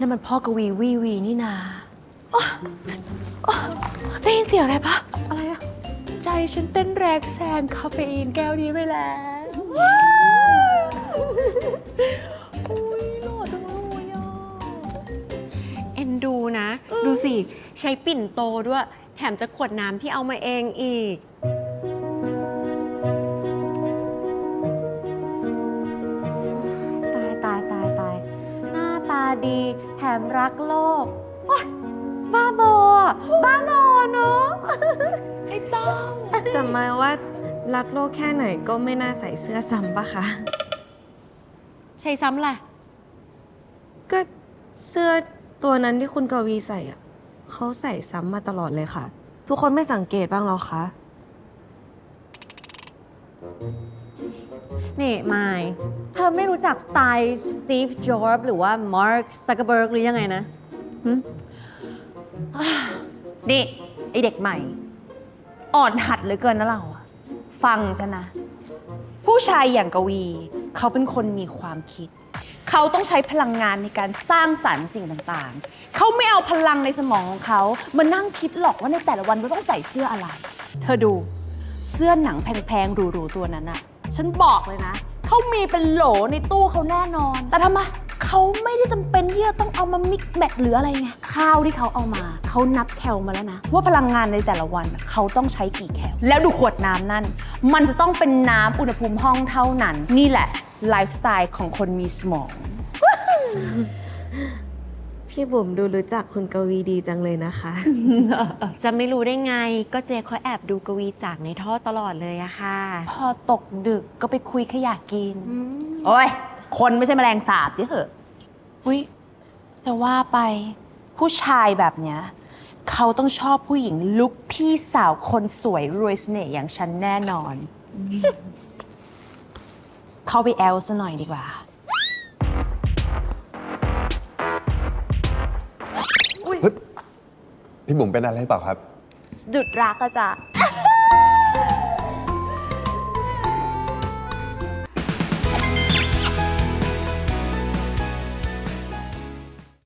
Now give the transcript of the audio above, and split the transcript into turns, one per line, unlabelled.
นั่นมันพ่อกวีวีนี่นาได้ยินเสียงอะไรปะอะไรอะใจฉันเต้นแรงแซงคาเฟอีนแก้วนี้ไปแล้วอุ้ยหล่อจังเลยอ่ะ
เอ็นดูนะ ดูสิ ใช้ปิ่นโตด้วย แถมจะขวดน้ำที่เอามาเองอีก
ตายหน้าตาดีแถมรักโลกโอ๊ยบ้าบอเนาะไอ้เต้า
แต่หมายว่ารักโลกแค่ไหนก็ไม่น่าใส่เสื้อซ้ำปะคะ
ใช้ซ้ำแหละ
ก็เสื้อตัวนั้นที่คุณกวีใส่อะเขาใส่ซ้ำมาตลอดเลยค่ะ ทุกคนไม่สังเกตบ้างหรอคะ
นี่มายเธอไม่รู้จักสไตล์สตีฟ จ็อบส์หรือว่ามาร์ค ซักเคอร์เบิร์กหรือยังไงนะนี่ไอเด็กใหม่ อ่อนหัดเหลือเกินนะเราอะฟังฉันนะ ผู้ชายอย่างกวี เขาเป็นคนมีความคิด เขาต้องใช้พลังงานในการสร้างสรรค์สิ่งต่างๆ เขาไม่เอาพลังในสมองของเขามานั่งคิดหรอกว่าในแต่ละวันเราต้องใส่เสื้ออะไร เธอดูเสื้อหนังแพงๆหรูๆตัวนั้นอะฉันบอกเลยนะ เขามีเป็นโหลในตู้เขาแน่นอน แต่ทำไมเขาไม่ได้จำเป็นที่จะต้องเอามามิกแมทหรืออะไรไง ข้าวที่เขาเอามา เขานับแคลมาแล้วนะ ว่าพลังงานในแต่ละวันเขาต้องใช้กี่แคล แล้วดูขวดน้ำนั่น มันจะต้องเป็นน้ำอุณหภูมิห้องเท่านั้น นี่แหละไลฟ์สไตล์ของคนมีสมอง
พี่บุ๋มดูรู้จักคุณกวีดีจังเลยนะคะ
จะไม่รู้ได้ไง ก็เจเขาแอบดูกวีจากในท่อตลอดเลยอะค่ะ
พอตกดึกก็ไปคุยขยะกิน โอ้ย คนไม่ใช่แมลงสาบดิเหอะอุ้ยจะว่าไปผู้ชายแบบเนี้ยเขาต้องชอบผู้หญิงลุกพี่สาวคนสวยรวยเสน่ห์อย่างฉันแน่นอน เข้าไปแอลซะหน่อยดีกว่า
พี่บุ๋มเป็นอะไรเปล่าครับ
สะดุดรักก็จะ